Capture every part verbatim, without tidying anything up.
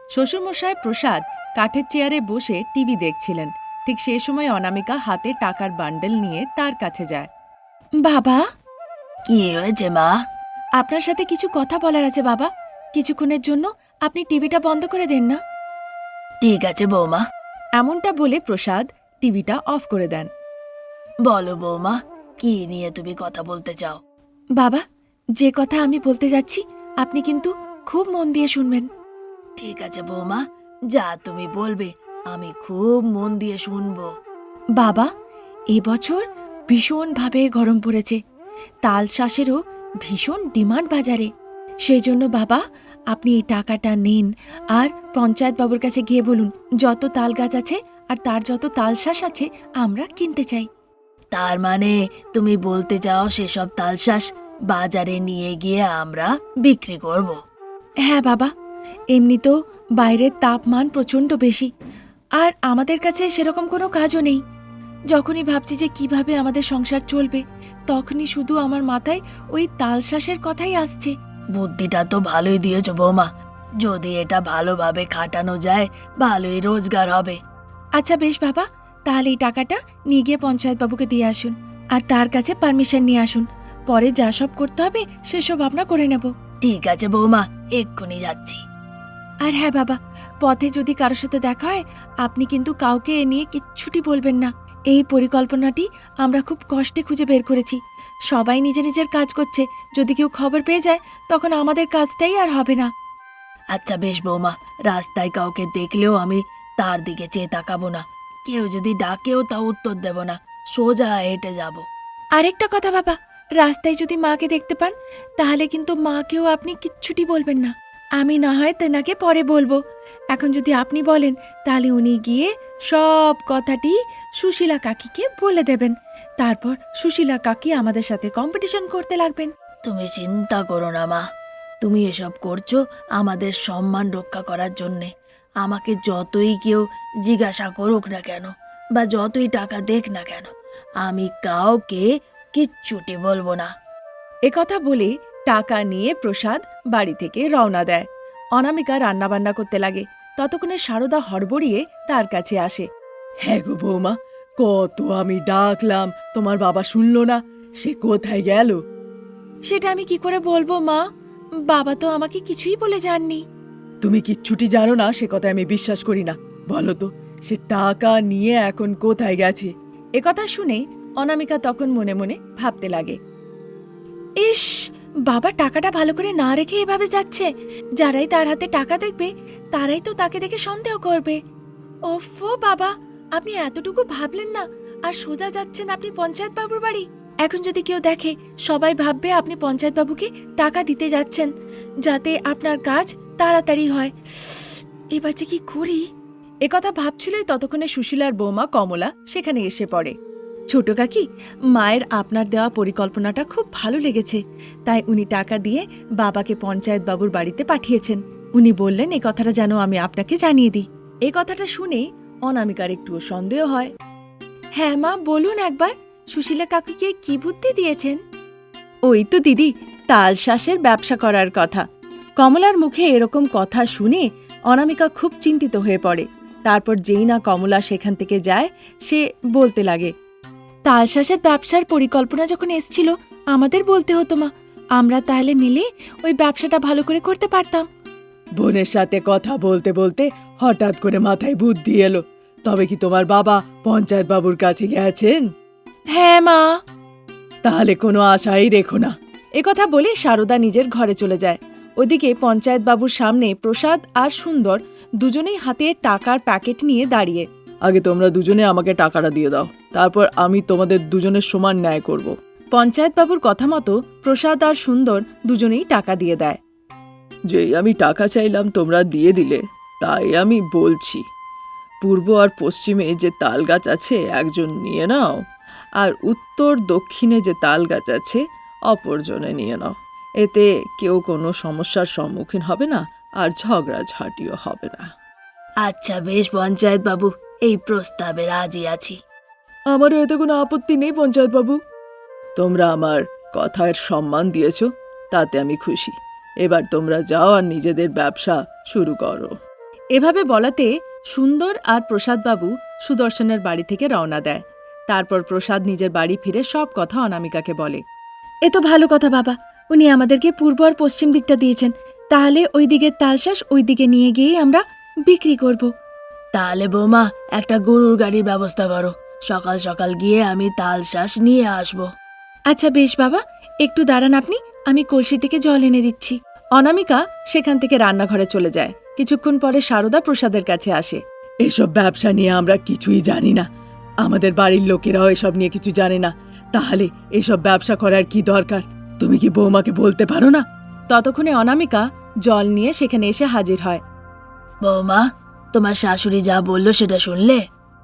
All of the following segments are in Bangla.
শ্বশুরমশাই প্রসাদ কাঠের চেয়ারে বসে টিভি দেখছিলেন। ঠিক সে সময় অনামিকা হাতে টাকার বান্ডেল নিয়ে তার কাছে যায়। বাবা, কি হয়েছে মা? আপনার সাথে কিছু কথা বলার আছে বাবা। কিছুক্ষণের জন্য আপনি টিভিটা বন্ধ করে দেন না। ঠিক আছে বৌমা। এমনটা বলে প্রসাদ টিভিটা অফ করে দেন। বলো বৌমা, কি নিয়ে তুমি কথা বলতে চাও? বাবা, যে কথা আমি বলতে যাচ্ছি আপনি কিন্তু খুব মন দিয়ে শুনবেন। ঠিক আছে বৌমা, যা তুমি বলবে আমি খুব মন দিয়ে শুনবো। বাবা, এবছর ভীষণভাবে গরম পড়েছে। তাল শাঁসেরও ভীষণ ডিমান্ড বাজারে। সেই জন্য বাবা, আপনি এই টাকাটা নিন আর পঞ্চায়েত বাবুর কাছে গিয়ে বলুন যত তাল গাছ আছে আর তার যত তাল শাঁস আছে আমরা কিনতে চাই। তার মানে তুমি বলতে চাও সেসব তালশাঁস বাজারে নিয়ে গিয়ে আমরা বিক্রি করব? হ্যাঁ বাবা, এমনিতেও বাইরের তাপমান প্রচণ্ড বেশি, আর আমাদের কাছে সেরকম কোনো কাজও নেই। যখনই ভাবছি যে কিভাবে আমাদের সংসার চলবে, তখনই শুধু আমার মাথায় ওই তালশাঁসের কথাই আসছে। বুদ্ধিটা তো ভালোই দিয়েছ বৌমা। যদি এটা ভালোভাবে খাটানো যায় ভালোই রোজগার হবে। আচ্ছা বেশ বাবা, তাহলে এই টাকাটা নিয়ে গিয়ে পঞ্চায়েত বাবুকে দিয়ে আসুন আর তার কাছে পারমিশন নিয়ে আসুন। পরে যা সব করতে হবে সেসব আমরা করে নেব। ঠিক আছে বৌমা, এক্ষুনি যাচ্ছি। আর হ্যাঁ বাবা, পথে যদি কারোর সাথে দেখা হয় আপনি কিন্তু কাউকে এ নিয়ে কিচ্ছুটি বলবেন না। এই পরিকল্পনাটি আমরা খুব কষ্টে খুঁজে বের করেছি। সবাই নিজে নিজের কাজ করছে, যদি কেউ খবর পেয়ে যায় তখন আমাদের কাজটাই আর হবে না। আচ্ছা বেশ বৌমা, রাস্তায় কাউকে দেখলেও আমি তার দিকে চেয়ে তাকাবো না। কেউ যদি ডাকেও তা উত্তর দেব না, সোজা হেঁটে যাব। আরেকটা কথা বাবা, রাস্তায় যদি মাকে দেখতে পান তাহলে কিন্তু মাকেও আপনি কিচ্ছুটি বলবেন না। আমি না হয় তেনাকে পরে বলবো। এখন যদি আপনি বলেন তাহলে উনি গিয়ে সব কথাটি সুশীলা কাকিকে বলে দেবেন। তারপর সুশীলা কাকি আমাদের সাথে কম্পিটিশন করতে লাগবেন। তুমি চিন্তা করো না মা, তুমি এসব করছো আমাদের সম্মান রক্ষা করার জন্যে। আমাকে যতই কেউ জিজ্ঞাসা করুক না কেন বা যতই টাকা দেখ না কেন, আমি কাউকে কিচ্ছুটি বলবো না। একথা বলে টাকা নিয়ে প্রসাদ বাড়ি থেকে রওনা দেয়। অনামিকা রান্নাবান্না করতে লাগে। ততক্ষণে সারদা হড়বড়িয়ে তার কাছে আসে। হ্যাঁ গো বৌমা, কত আমি ডাকলাম, তোমার বাবা শুনলো না। সে কোথায় গেল? সেটা আমি কি করে বলবো মা, বাবা তো আমাকে কিছুই বলে যাননি। তুমি কিচ্ছুটি জানো না সে কথা আমি বিশ্বাস করি না। বলো তো, সে টাকা নিয়ে এখন কোথায় গেছে? একথা শুনে অনামিকা তখন মনে মনে ভাবতে লাগে, ইস, বাবা টাকাটা ভালো করে না রেখে এভাবে যাচ্ছে। যারাই তার হাতে টাকা দেখবে তারাই তো তাকে দেখে সন্দেহ করবে। ওফো বাবা, আপনি এতটুকু ভাবলেন না আর সোজা যাচ্ছেন আপনি পঞ্চায়েত বাবুর বাড়ি। এখন যদি কেউ দেখে সবাই ভাববে আপনি পঞ্চায়েত বাবুকে টাকা দিতে যাচ্ছেন যাতে আপনার কাজ তাড়াতাড়ি হয়। এবার যে কি করি। একথা ভাবছিলই ততক্ষণে সুশীলার বৌমা কমলা সেখানে এসে পড়ে। ছোট কাকি, মায়ের আপনার দেওয়া পরিকল্পনাটা খুব ভালো লেগেছে, তাই উনি টাকা দিয়ে বাবাকে পঞ্চায়েত বাবুর বাড়িতে পাঠিয়েছেন। উনি বললেন এই কথাটা যেন আমি আপনাকে জানিয়ে দিই। এই কথাটা শুনে অনামিকার একটুও সন্দেহ হয়। হ্যাঁ মা, বলুন একবার, সুশীলা কাকুকে কি বুদ্ধি দিয়েছেন? ওই তো দিদি, তালশাঁসের ব্যবসা করার কথা। কমলার মুখে এরকম কথা শুনে অনামিকা খুব চিন্তিত হয়ে পড়ে। তারপর যেই না কমলা সেখান থেকে যায়, সে বলতে লাগে, তালশাঁসের ব্যবসার পরিকল্পনা যখন এসছিল আমাদের বলতে হতো মা, আমরা তাহলে মিলে ওই ব্যবসাটা ভালো করে করতে পারতাম। বোনের সাথে কথা বলতে বলতে হঠাৎ করে মাথায় বুদ্ধি এলো। তবে কি তোমার বাবা পঞ্চায়েত বাবুর কাছে গেছেন? হ্যাঁ মা। তাহলে কোনো আশাই রেখো না। একথা বলে সারদা নিজের ঘরে চলে যায়। ওদিকে পঞ্চায়েত বাবুর সামনে প্রসাদ আর সুন্দর দুজনেই হাতে টাকার প্যাকেট নিয়ে দাঁড়িয়ে। আগে তোমরা দুজনে আমাকে টাকাটা দিয়ে দাও, তারপর আমি তোমাদের দুজনের সমান ন্যায় করব। পঞ্চায়েত বাবুর কথা মতো প্রসাদ আর সুন্দর দুজনেই টাকা দিয়ে দেয়। যেই আমি টাকা চাইলাম তোমরা দিয়ে দিলে, তাই আমি বলছি, পূর্ব আর পশ্চিমে যে তাল গাছ আছে একজন নিয়ে নাও, আর উত্তর দক্ষিণে যে তাল গাছ আছে অপরজনে নিয়ে নাও। এতে কেউ কোনো সমস্যার সম্মুখীন হবে না আর ঝগড়াঝাটিও হবে না। আচ্ছা বেশ পঞ্চায়েত বাবু, এই প্রস্তাবে রাজি আছি। আমারও এতে কোনো আপত্তি নেই পঞ্চায়েত বাবু। তোমরা আমার কথার সম্মান দিয়েছ, তাতে আমি খুশি। এবার তোমরা যাও আর নিজেদের ব্যবসা শুরু করো। এভাবে বলাতে সুন্দর আর প্রসাদবাবু সুদর্শনের বাড়ি থেকে রওনা দেয়। তারপর প্রসাদ নিজের বাড়ি ফিরে সব কথা অনামিকাকে বলে। এ তো ভালো কথা বাবা, উনি আমাদেরকে পূর্ব আর পশ্চিম দিকটা দিয়েছেন, তাহলে ওই দিকের তালশাঁস ওই দিকে নিয়ে গিয়ে আমরা বিক্রি করব। তাহলে বৌমা একটা গরুর গাড়ির ব্যবস্থা করো, সকাল সকাল গিয়ে আমি তাল শ্বাস নিয়ে আসবো। আচ্ছা বেশ বাবা, একটু দাঁড়ান আপনি, আমি কলসি থেকে জল এনে দিচ্ছি। অনামিকা সেখান থেকে রান্নাঘরে চলে যায়। কিছুক্ষণ পরে সারদা প্রসাদের কাছে আসে। এসব ব্যবসা নিয়ে আমরা কিছুই জানি না, আমাদের বাড়ির লোকেরাও এসব নিয়ে কিছু জানে না, তাহলে এসব ব্যবসা করার কি দরকার? তুমি কি বৌমাকে বলতে পারো না? ততক্ষণে অনামিকা জল নিয়ে সেখানে এসে হাজির হয়। বৌমা, তোমার শাশুড়ি যা বললো সেটা শুনলে?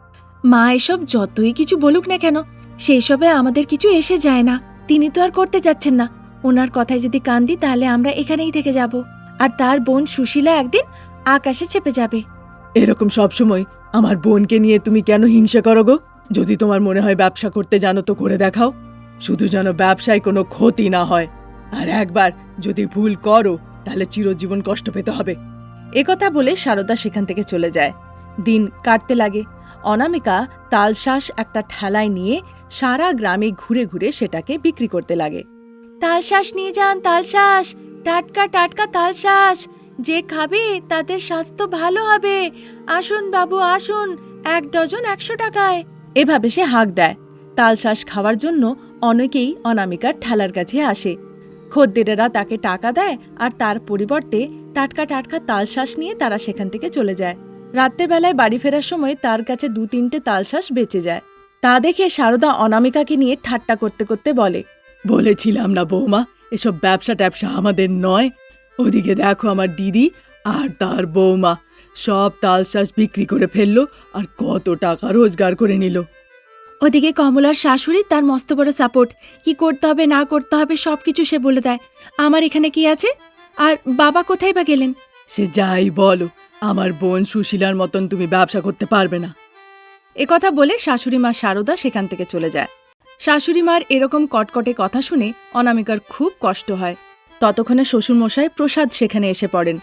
মা এসব যতই কিছু বলুক না কেন, সেই সবে আমাদের কিছু এসে যায় না। তিনি তো আর করতে যাচ্ছেন না। ওনার কথায় যদি কান দিই তাহলে আমরা এখানেই থেকে যাব, আর তার বোন সুশীলা একদিন আকাশে চেপে যাবে। এরকম সবসময় আমার বোনকে নিয়ে তুমি কেন হিংসা করো গো? যদি তোমার মনে হয় ব্যবসা করতে জানো তো করে দেখাও, শুধু যেন ব্যবসায় কোনো ক্ষতি না হয়। আর একবার যদি ভুল করো তাহলে চিরজীবন কষ্ট পেতে হবে। একথা বলে সারদা সেখান থেকে চলে যায়। দিন কাটতে লাগে। অনামিকা তালশাঁস একটা ঠেলায় নিয়ে সারা গ্রামে ঘুরে ঘুরে সেটাকে বিক্রি করতে লাগে। তালশাঁস নিয়ে যান, তালশাঁস, টাটকা টাটকা তালশাঁস, যে খাবে তাদের স্বাস্থ্য ভালো হবে, আসুন বাবু আসুন, এক ডজন একশো টাকায়। এভাবে সে হাঁক দেয়। তালশাঁস খাওয়ার জন্য অনেকেই অনামিকার ঠেলার কাছে আসে। খদ্দেরেরা তাকে টাকা দেয় আর তার পরিবর্তে টাটকা টাটকা তালশাঁস নিয়ে তারা সেখান থেকে চলে যায়। রাত্রেবেলায় বাড়ি ফেরার সময় তার কাছে দু তিনটে তালশাঁস বেঁচে যায়। তা দেখে সারদা অনামিকাকে নিয়ে ঠাট্টা করতে করতে বলে, বলেছিলাম না বৌমা, এসব ব্যবসা ট্যাবসা আমাদের নয়। ওদিকে দেখো আমার দিদি আর তার বৌমা সব তালশাঁস বিক্রি করে ফেললো আর কত টাকা রোজগার করে নিল। ওদিকে কমলার শাশুড়ি তার মস্ত বড় সাপোর্ট, কি করতে হবে না করতে হবে সবকিছু সে বলে দেয়। আমার এখানে কি আছে? আর বাবা কোথায় বা গেলেন? সে যাই বলো, আমার বোন সুশীলার মতন তুমি ব্যবসা করতে পারবে না। একথা বলে শাশুড়ি মা সারদা সেখান থেকে চলে যায়। শাশুড়ি মার এরকম কটকটে কথা শুনে অনামিকার খুব কষ্ট হয়। ততক্ষণে শ্বশুরমশাই প্রসাদ সেখানে এসে পড়েন।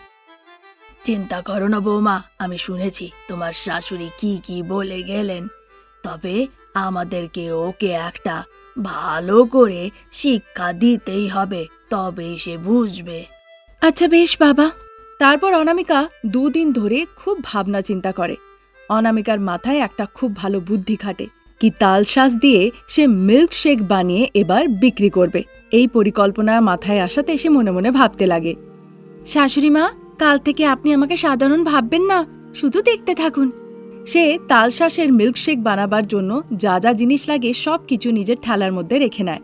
চিন্তা করো না বৌমা, আমি শুনেছি তোমার শাশুড়ি কি কি বলে গেলেন, তবে আমাদেরকে ওকে একটা ভালো করে শিক্ষা দিতেই হবে, তবেই সে বুঝবে। আচ্ছা বেশ বাবা। তারপর অনামিকা দুদিন ধরে খুব ভাবনা চিন্তা করে। অনামিকার মাথায় একটা খুব ভালো বুদ্ধি খাটে, কি তালশাঁস দিয়ে সে মিল্কশেক বানিয়ে এবার বিক্রি করবে। এই পরিকল্পনা মাথায় আসাতে সে মনে মনে ভাবতে লাগে, শাশুড়ি মা, কাল থেকে আপনি আমাকে সাধারণ ভাববেন না, শুধু দেখতে থাকুন। সে তালশাঁসের মিল্কশেক বানাবার জন্য যা যা জিনিস লাগে সব কিছু নিজের ঠেলার মধ্যে রেখে নেয়।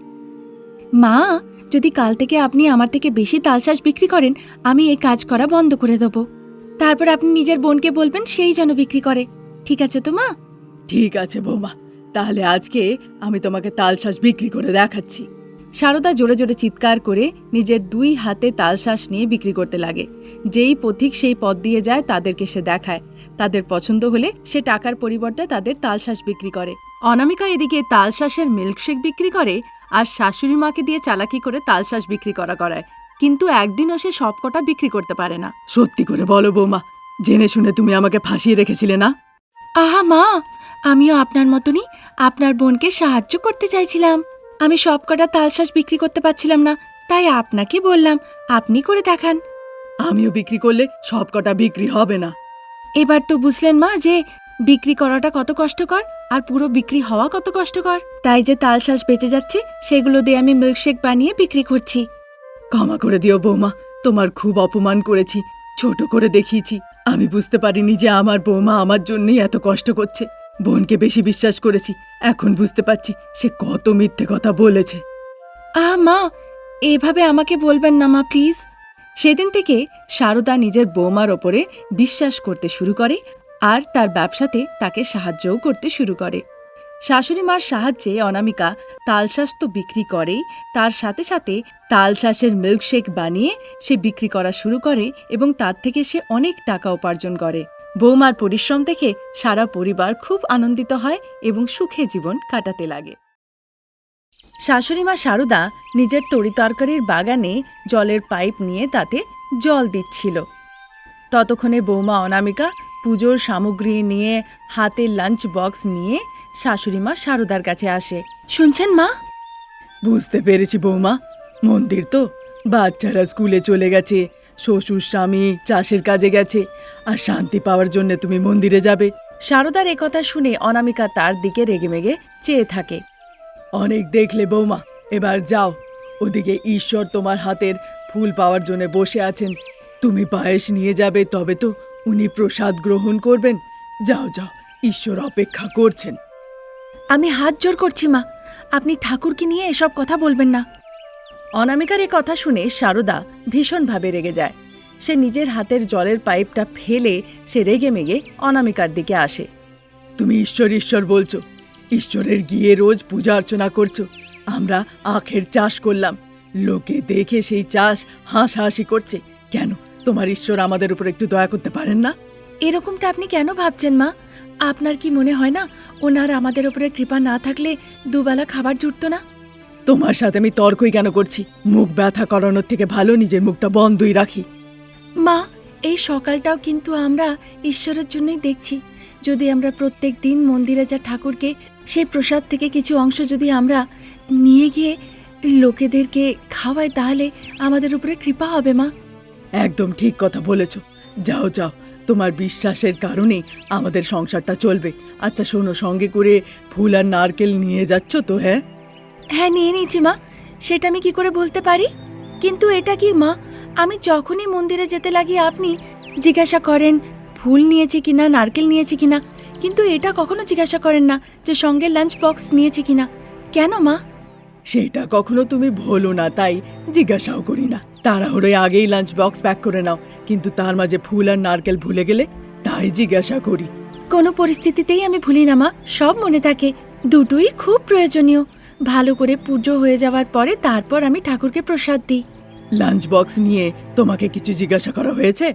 মা, যদি কাল থেকে আপনি আমার থেকে বেশি তালশাঁস বিক্রি করেন, আমি এই কাজ করা বন্ধ করে দেব। তারপর আপনি নিজের বোনকে বলবেন সেই যেন বিক্রি করে। ঠিক আছে তো মা? ঠিক আছে বৌমা, তাহলে আজকে আমি তোমাকে তালশাঁস বিক্রি করে দেখাচ্ছি। সারদা জোরে জোরে চিৎকার করে নিজের দুই হাতে তালশাঁস নিয়ে বিক্রি করতে লাগে। যেই পথিক সেই পথ দিয়ে যায় তাদেরকে সে দেখায়। তাদের পছন্দ হলে সে টাকার পরিবর্তে তাদের তালশাঁস বিক্রি করে। অনামিকা এদিকে তালশাঁসের মিল্কশেক বিক্রি করে আর শাশুড়ি মাকে দিয়ে চালাকি করে তালশাঁস বিক্রি করা করায়, কিন্তু একদিনও সে সবকটা বিক্রি করতে পারে না। সত্যি করে বলো বৌমা, জেনে শুনে তুমি আমাকে ফাঁসিয়ে রেখেছিলে না? আহা মা, আমিও আপনার মতনই আপনার বোনকে সাহায্য করতে চাইছিলাম। আমি সবকটা তালশাঁস বিক্রি করতে পারছিলাম না, তাই আপনাকে বললাম আপনি করে দেখান। আমিও বিক্রি করলে সব কটা বিক্রি হবে না। এবার তো বুঝলেন মা যে বিক্রি করাটা কত কষ্টকর আর পুরো বিক্রি হওয়া কত কষ্টকর। তাই যে তালশাঁস বেঁচে যাচ্ছে সেগুলো দিয়ে আমি মিল্কশেক বানিয়ে বিক্রি করছি। ক্ষমা করে দিও বৌমা, তোমার খুব অপমান করেছি, ছোট করে দেখিয়েছি। আমি বুঝতে পারিনি যে আমার বৌমা আমার জন্যই এত কষ্ট করছে। বোনকে বেশি বিশ্বাস করেছি, এখন বুঝতে পারছি সে কত মিথ্যে কথা বলেছে। আহ মা, এভাবে আমাকে বলবেন না মা, প্লিজ। সেদিন থেকে সারদা নিজের বৌমার ওপরে বিশ্বাস করতে শুরু করে আর তার ব্যবসাতে তাকে সাহায্যও করতে শুরু করে। শাশুড়ি মার সাহায্যে অনামিকা তালশাঁস তো বিক্রি করেই, তার সাথে সাথে তালশাঁসের মিল্কশেক বানিয়ে সে বিক্রি করা শুরু করে এবং তার থেকে সে অনেক টাকা উপার্জন করে। বৌমার পরিশ্রম দেখে সারা পরিবার খুব আনন্দিত হয় এবং সুখে জীবন কাটাতে লাগে। শাশুড়িমা সারদা নিজের তরিতরকারির বাগানে জলের পাইপ নিয়ে তাতে জল দিচ্ছিল। ততক্ষণে বৌমা অনামিকা পুজোর সামগ্রী নিয়ে হাতে লাঞ্চ বক্স নিয়ে শাশুড়িমা সারদার কাছে আসে। শুনছেন মা? বুঝতে পেরেছি বৌমা, মন্দির তো, বাচ্চারা স্কুলে চলে গেছে, শ্বশুর স্বামী চাষের কাজে গেছে, আর শান্তি পাওয়ার জন্য তুমি মন্দিরে যাবে। সারদার একথা শুনে অনামিকা তার দিকে রেগেমেগে চেয়ে থাকে। অনেক দেখলে বৌমা, এবার যাও, ওদিকে ঈশ্বর তোমার হাতের ফুল পাওয়ার জন্য বসে আছেন, তুমি পায়েস নিয়ে যাবে, তবে তো উনি প্রসাদ গ্রহণ করবেন। যাও যাও, ঈশ্বর অপেক্ষা করছেন। আমি হাত জোর করছি মা, আপনি ঠাকুরকে নিয়ে এসব কথা বলবেন না। অনামিকার এ কথা শুনে সারদা ভীষণভাবে রেগে যায়। সে নিজের হাতের জলের পাইপটা ফেলে সে রেগে মেগে অনামিকার দিকে আসে। তুমি ঈশ্বর ঈশ্বর বলছো, ঈশ্বরের গিয়ে রোজ পূজা অর্চনা করছো। আমরা আখের চাষ করলাম, লোকে দেখে সেই চাষ হাসাহাসি করছে। কেন তোমার ঈশ্বর আমাদের উপর একটু দয়া করতে পারেন না? এরকমটা আপনি কেন ভাবছেন মা? আপনার কি মনে হয় না ওনার আমাদের উপরে কৃপা না থাকলে দুবেলা খাবার জুটতো না? তোমার সাথে আমি তর্কই কেন করছি? মুখ ব্যথা করানোর থেকে ভালো নিজের মুখটা বন্ধই রাখি। মা, এই সকালটাও কিন্তু আমরা ঈশ্বরের জন্যই দেখছি। যদি আমরা প্রত্যেক দিন মন্দিরে যা ঠাকুরকে সেই প্রসাদ থেকে কিছু অংশ যদি আমরা নিয়ে গিয়ে লোকেদেরকে খাওয়াই, তাহলে আমাদের উপরে কৃপা হবে মা। একদম ঠিক কথা বলেছ। যাও যাও, তোমার বিশ্বাসের কারণেই আমাদের সংসারটা চলবে। আচ্ছা শোনো, সঙ্গে করে ফুল আর নারকেল নিয়ে যাচ্ছ তো? হ্যাঁ হ্যাঁ, নিয়ে নিয়েছি মা। সেটা আমি কি করে বলতে পারি? কিন্তু এটা কি মা, আমি যখনই মন্দিরে যেতে লাগি আপনি জিজ্ঞাসা করেন ফুল নিয়েছি কিনা, নারকেল নিয়েছি কিনা, কিন্তু এটা কখনো জিজ্ঞাসা করেন না যে সঙ্গে লাঞ্চ বক্স নিয়েছি কিনা। কেন মা? সেটা কখনো তুমি ভুলো না, তাই জিজ্ঞাসাও করি না। তাড়াহুড়োয় আগেই লাঞ্চ বক্স প্যাক করে নাও, কিন্তু তার মাঝে ফুল আর নারকেল ভুলে গেলে তাই জিজ্ঞাসা করি। কোনো পরিস্থিতিতেই আমি ভুলি না মা, সব মনে থাকে। দুটোই খুব প্রয়োজনীয়। ভালো করে পুজো হয়ে যাওয়ার পরে তারপর আমি ঠাকুরকে প্রসাদ দিই। লাঞ্চ বক্স নিয়ে তোমাকে কিছু জিজ্ঞাসা করা হয়েছে?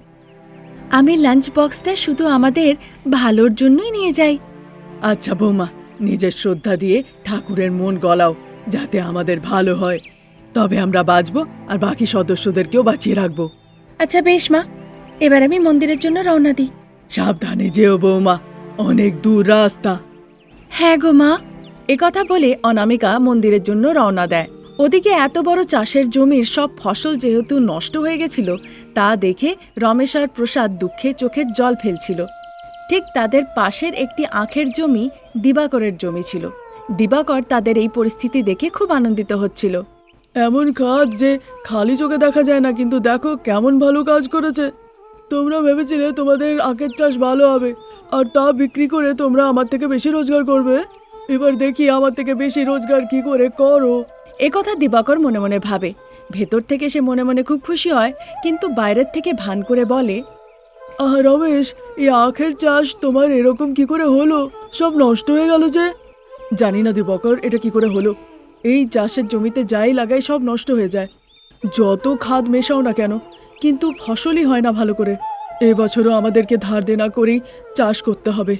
আমি লাঞ্চ বক্সটা শুধু আমাদের ভালোর জন্যই নিয়ে যাই। আচ্ছা বৌমা, নিজের শ্রদ্ধা দিয়ে ঠাকুরের মন গলাও, যাতে আমাদের ভালো হয়। তবে আমরা বাঁচবো আর বাকি সদস্যদেরকেও বাঁচিয়ে রাখবো। আচ্ছা বেশ মা, এবার আমি মন্দিরের জন্য রওনা দিই। সাবধানে যেও বৌমা, অনেক দূর রাস্তা। হ্যাঁ গো মা। একথা বলে অনামিকা মন্দিরের জন্য রওনা দেয়। ওদিকে এত বড় চাষের জমির সব ফসল যেহেতু নষ্ট হয়ে গেছিল, তা দেখে রমেশ আর প্রসাদ দুঃখে চোখের জল ফেলছিল। ঠিক তাদের পাশের একটি আখের জমি দিবাকরের জমি ছিল। দিবাকর তাদের এই পরিস্থিতি দেখে খুব আনন্দিত হচ্ছিল। এমন কাজ যে খালি চোখে দেখা যায় না, কিন্তু দেখো কেমন ভালো কাজ করেছে। তোমরা ভেবেছিলে তোমাদের আখের চাষ ভালো হবে, আর তা বিক্রি করে তোমরা আমার থেকে বেশি রোজগার করবে। এবার দেখি আমার থেকে বেশি রোজগার কি করে করো। একথা দিবাকর মনে মনে ভাবে। ভেতর থেকে সে মনে মনে খুব খুশি হয়, কিন্তু বাইরের থেকে ভান করে বলে, আহ রমেশ, এই আখের চাষ তোমার এরকম কি করে হলো? সব নষ্ট হয়ে গেল যে। জানি না দিবাকর, এটা কি করে হলো। এই চাষের জমিতে যাই লাগাই সব নষ্ট হয়ে যায়, যত খাদ মেশাও না কেন, কিন্তু ফসলই হয় না ভালো করে। এবছরও আমাদেরকে ধার দেনা করেই চাষ করতে হবে।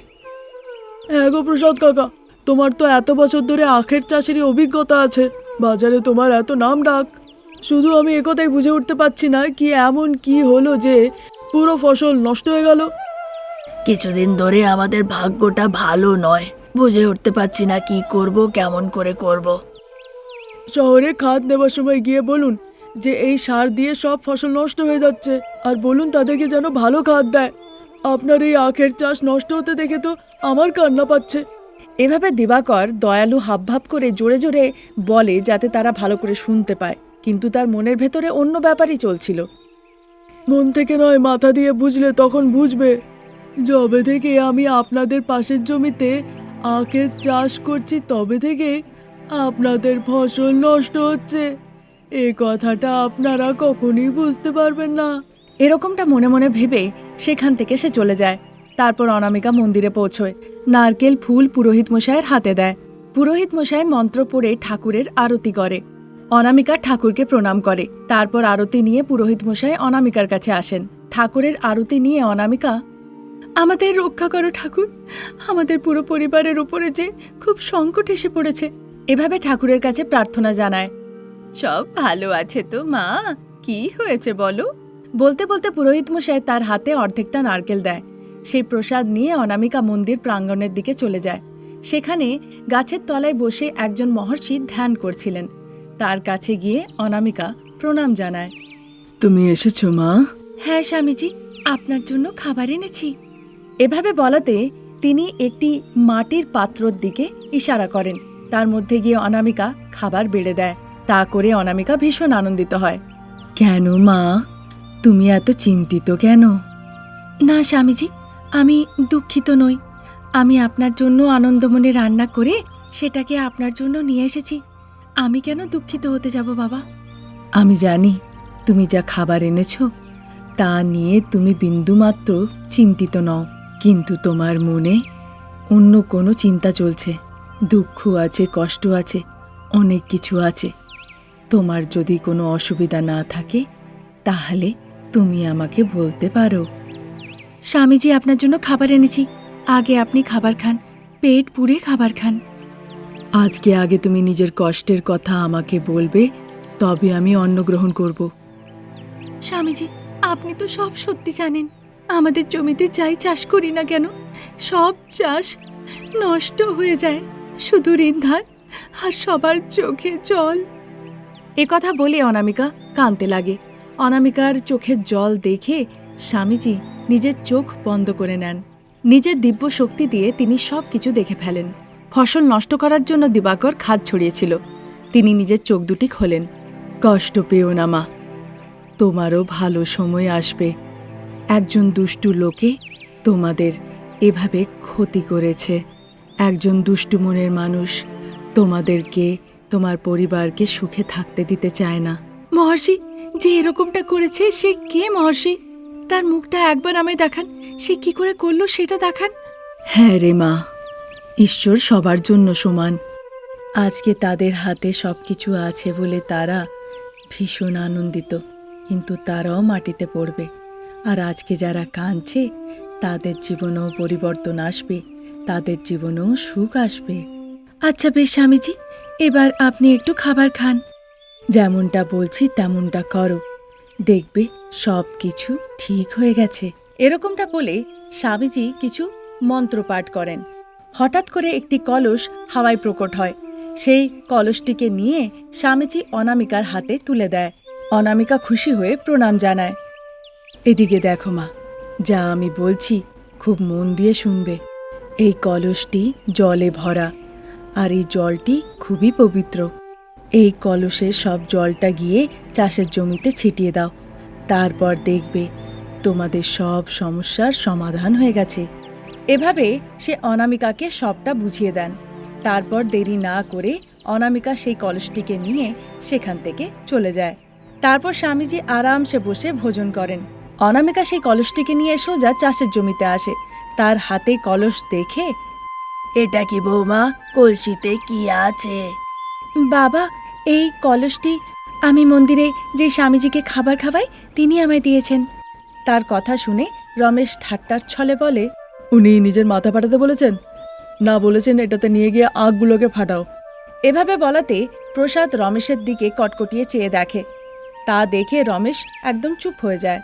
হ্যাঁ গো প্রসাদ কাকা, তোমার তো এত বছর ধরে আখের চাষেরই অভিজ্ঞতা আছে, বাজারে তোমার এত নাম ডাক। শুধু আমি একথাই বুঝে উঠতে পারছি না, কি এমন কি হলো যে পুরো ফসল নষ্ট হয়ে গেল। কিছুদিন ধরে আমাদের ভাগ্যটা ভালো নয়, বুঝে উঠতে পারছি না কি করব, কেমন করে করব। শহরে খাদ নেবার সময় গিয়ে বলুন যে এই সার দিয়ে সব ফসল নষ্ট হয়ে যাচ্ছে, আর বলুন তাদেরকে যেন ভালো খাদ দেয়। আপনার এই আখের চাষ নষ্ট হতে দেখে তো আমার কান্না পাচ্ছে। এভাবে দিবাকর দয়ালু হাবভাব করে জোরে জোরে বলে যাতে তারা ভালো করে শুনতে পায়, কিন্তু তার মনের ভেতরে অন্য ব্যাপারই চলছিল। মন থেকে নয়, মাথা দিয়ে বুঝলে তখন বুঝবে। যবে থেকে আমি আপনাদের পাশের জমিতে আখের চাষ করছি, তবে থেকে আপনাদের ফসল নষ্ট হচ্ছে। এ কথাটা আপনারা কখনই বুঝতে পারবেন না। এরকমটা মনে মনে ভেবে সেখান থেকে সে চলে যায়। তারপর অনামিকা মন্দিরে পৌঁছয়, নারকেল ফুল পুরোহিত মশাইয়ের হাতে দেয়। পুরোহিত মশাই মন্ত্র পড়ে ঠাকুরের আরতি করে। অনামিকা ঠাকুরকে প্রণাম করে। তারপর আরতি নিয়ে পুরোহিত মশাই অনামিকার কাছে আসেন। ঠাকুরের আরতি নিয়ে অনামিকা, আমাদের রক্ষা করো ঠাকুর, আমাদের পুরো পরিবারের উপরে যে খুব সংকট এসে পড়েছে, এভাবে ঠাকুরের কাছে প্রার্থনা জানায়। সব ভালো আছে তো মা? কি হয়েছে বলো? বলতে বলতে পুরোহিত মশাই তার হাতে অর্ধেকটা নারকেল দেয়। সেই প্রসাদ নিয়ে অনামিকা মন্দির প্রাঙ্গণের দিকে চলে যায়। সেখানে গাছের তলায় বসে একজন মহর্ষি ধ্যান করছিলেন। তার কাছে গিয়ে অনামিকা প্রণাম জানায়। তুমি এসেছো মা? হ্যাঁ স্বামীজি, আপনার জন্য খাবার এনেছি। এভাবে বলাতে তিনি একটি মাটির পাত্রর দিকে ইশারা করেন। তার মধ্যে গিয়ে অনামিকা খাবার বেড়ে দেয়। তা করে অনামিকা ভীষণ আনন্দিত হয়। কেন মা, তুমি এত চিন্তিত কেন? না স্বামীজি, আমি দুঃখিত নই। আমি আপনার জন্য আনন্দমনে রান্না করে সেটাকে আপনার জন্য নিয়ে এসেছি। আমি কেন দুঃখিত হতে যাব বাবা? আমি জানি তুমি যা খাবার এনেছো তা নিয়ে তুমি বিন্দুমাত্র চিন্তিত নও, কিন্তু তোমার মনে অন্য কোনো চিন্তা চলছে। দুঃখ আছে, কষ্ট আছে, অনেক কিছু আছে। তোমার যদি কোনো অসুবিধা না থাকে তাহলে তুমি আমাকে বলতে পারো। স্বামীজি, আপনার জন্য খাবার এনেছি। আগে আপনি খাবার খান, পেট পুড়ে খাবার খান। আজকে আগে তুমি নিজের কষ্টের কথা আমাকে বলবে, তবে আমি অন্ন গ্রহণ করব। স্বামীজি, আপনি তো সব সত্যি জানেন। আমাদের জমিতে যাই চাষ করি না কেন, সব চাষ নষ্ট হয়ে যায়। শুধু ঋণধার আর সবার চোখে জল। এ কথা বলে অনামিকা কাঁদতে লাগে। অনামিকার চোখের জল দেখে স্বামীজি নিজের চোখ বন্ধ করে নেন। নিজের দিব্য শক্তি দিয়ে তিনি সব কিছু দেখে ফেলেন। ফসল নষ্ট করার জন্য দিবাকর খাদ ছড়িয়েছিল। তিনি নিজের চোখ দুটি খোলেন। কষ্ট পেও না মা, তোমারও ভালো সময় আসবে। একজন দুষ্টু লোকে তোমাদের এভাবে ক্ষতি করেছে। একজন দুষ্টু মনের মানুষ তোমাদেরকে, তোমার পরিবারকে সুখে থাকতে দিতে চায় না। মহর্ষি, যে এরকমটা করেছে সে কে মহর্ষি? তার মুখটা একবার আমায় দেখান। সে কি করে করলো সেটা দেখান। হ্যাঁ রে মা, ঈশ্বর সবার জন্য সমান। আজকে তাদের হাতে সব কিছু আছে বলে তারা ভীষণ আনন্দিত, কিন্তু তারাও মাটিতে পড়বে। আর আজকে যারা কাঁদছে তাদের জীবনেও পরিবর্তন আসবে, তাদের জীবনেও সুখ আসবে। আচ্ছা বেশ স্বামীজি, এবার আপনি একটু খাবার খান। যেমনটা বলছি তেমনটা করো, দেখবে সব কিছু ঠিক হয়ে গেছে। এরকমটা বলে স্বামীজি কিছু মন্ত্র পাঠ করেন। হঠাৎ করে একটি কলস হাওয়ায় প্রকট হয়। সেই কলসটিকে নিয়ে স্বামীজি অনামিকার হাতে তুলে দেয়। অনামিকা খুশি হয়ে প্রণাম জানায়। এদিকে দেখো মা, যা আমি বলছি খুব মন দিয়ে শুনবে। এই কলসটি জলে ভরা, আর এই জলটি খুবই পবিত্র। এই কলসের সব জলটা গিয়ে চাষের জমিতে ছিটিয়ে দাও। তারপর দেখবে তোমাদের সব সমস্যার সমাধান হয়ে গেছে। এভাবে সে অনামিকাকে সবটা বুঝিয়ে দেন। তারপর দেরি না করে অনামিকা সেই কলসটিকে নিয়ে সেখান থেকে চলে যায়। তারপর স্বামীজি আরামসে বসে ভোজন করেন। অনামিকা সেই কলসটিকে নিয়ে সোজা চাষের জমিতে আসে। তার হাতে কলস দেখে, এটা কি বৌমা, কলসিতে কি আছে? বাবা, এই কলসটি আমি মন্দিরে যে স্বামীজিকে খাবার খাওয়াই তিনি আমায় দিয়েছেন। তার কথা শুনে রমেশ ঠাট্টার ছলে বলে, উনি নিজের মাথা ফাটাতে বলেছেন? না, বলেছেন এটাতে নিয়ে গিয়ে আঁখগুলোকে ফাটাও। এভাবে বলাতে প্রসাদ রমেশের দিকে কটকটিয়ে চেয়ে দেখে। তা দেখে রমেশ একদম চুপ হয়ে যায়।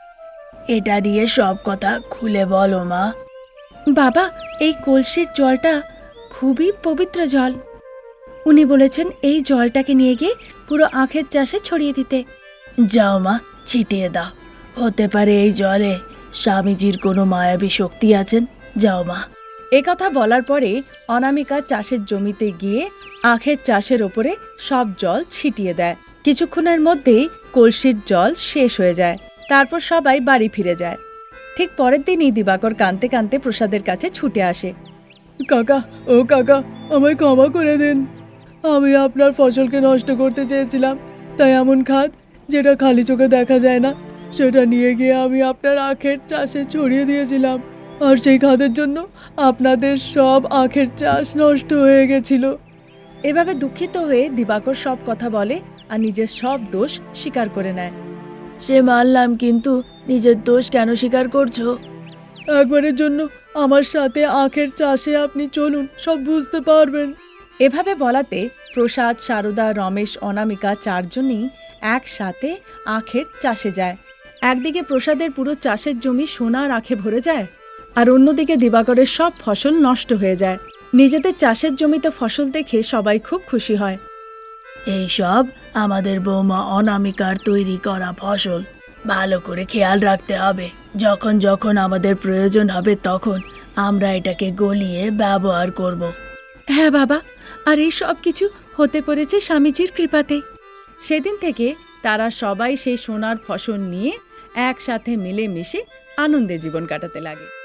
এটা দিয়ে সব কথা খুলে বলো মা। বাবা, এই কলসির জলটা খুবই পবিত্র জল। উনি বলেছেন এই জলটাকে নিয়ে গিয়ে পুরো আখের চাষে ছড়িয়ে দিতে। যাও মা, ছিটিয়ে দাও। হতে পারে এই জলে স্বামীজির কোনো মায়াবী শক্তি আছেন। যাও মা। একথা বলার পরে অনামিকা চাষের জমিতে গিয়ে আখের চাষের ওপরে সব জল ছিটিয়ে দেয়। কিছুক্ষণের মধ্যেই কলসির জল শেষ হয়ে যায়। তারপর সবাই বাড়ি ফিরে যায়। ঠিক পরের দিনই দিবাকর কাঁদতে কাঁদতে প্রসাদের কাছে ছুটে আসে। কাকা, ও কাকা, আমায় ক্ষমা করে দিন। আমি আপনার ফসলকে নষ্ট করতে চেয়েছিলাম, তাই এমন খাদ যেটা খালি চোখে দেখা যায় না সেটা নিয়ে গিয়ে আমি আপনার আখের চাষে ছড়িয়ে দিয়েছিলাম। আর সেই খাদের জন্য আপনাদের সব আখের চাষ নষ্ট হয়ে গেছিল। এভাবে দুঃখিত হয়ে দিবাকর সব কথা বলে আর নিজের সব দোষ স্বীকার করে নেয়। সে মানলাম, কিন্তু নিজের দোষ কেন স্বীকার করছো? একবারের জন্য আমার সাথে আখের চাষে আপনি চলুন, সব বুঝতে পারবেন। এভাবে বলাতে প্রসাদ, সারদা, রমেশ, অনামিকা চারজনই একসাথে আখের চাষে যায়। একদিকে প্রসাদের পুরো চাষের জমি সোনার আঁখে ভরে যায়, আর অন্যদিকে দিবাকরের সব ফসল নষ্ট হয়ে যায়। নিজেদের চাষের জমিতে ফসল দেখে সবাই খুব খুশি হয়। এই সব আমাদের বৌমা অনামিকার তৈরি করা ফসল। ভালো করে খেয়াল রাখতে হবে, যখন যখন আমাদের প্রয়োজন হবে তখন আমরা এটাকে গলিয়ে ব্যবহার করব। হ্যাঁ বাবা, আর এই সব কিছু হতে পেরেছে স্বামীজির কৃপাতে। সেদিন থেকে তারা সবাই সেই সোনার ফসল নিয়ে একসাথে মিলেমিশে আনন্দে জীবন কাটাতে লাগে।